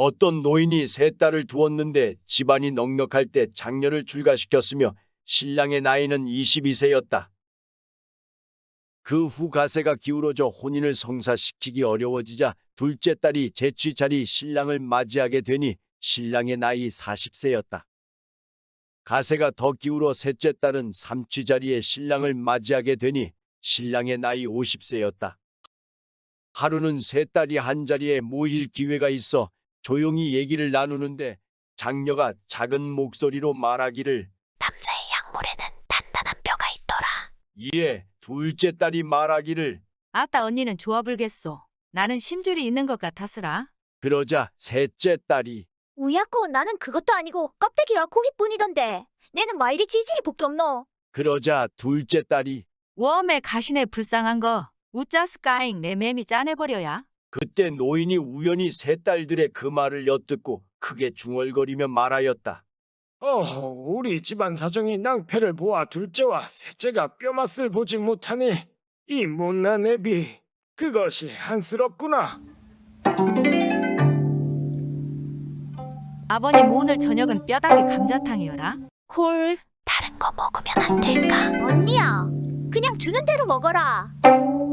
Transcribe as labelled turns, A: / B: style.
A: 어떤 노인이 세 딸을 두었는데 집안이 넉넉할 때 장녀를 출가시켰으며 신랑의 나이는 22세였다. 그 후 가세가 기울어져 혼인을 성사시키기 어려워지자 둘째 딸이 재취 자리 신랑을 맞이하게 되니 신랑의 나이 40세였다. 가세가 더 기울어 셋째 딸은 삼취 자리에 신랑을 맞이하게 되니 신랑의 나이 50세였다. 하루는 세 딸이 한자리에 모일 기회가 있어 조용히 얘기를 나누는데 장녀가 작은 목소리로 말하기를
B: 남자의 약물에는 단단한 뼈가 있더라.
A: 이에 둘째 딸이 말하기를
C: 아따 언니는 좋아 불겠소. 나는 심줄이 있는 것 같았으라.
A: 그러자 셋째 딸이
D: 우야코 나는 그것도 아니고 껍데기와 고기뿐이던데. 내는 와 이리 지질이 복이 없노.
A: 그러자 둘째 딸이
C: 웜에 가시네 불쌍한 거. 우짜스까잉 내 맴이 짜내버려야.
A: 그때 노인이 우연히 세 딸들의 그 말을 엿듣고 크게 중얼거리며 말하였다.
E: 우리 집안 사정이 낭패를 보아 둘째와 셋째가 뼈맛을 보지 못하니 이 못난 애비 그것이 안쓰럽구나.
C: 아버님 오늘 저녁은 뼈다귀 감자탕이어라.
B: 다른 거 먹으면 안 될까?
D: 언니야, 그냥 주는 대로 먹어라.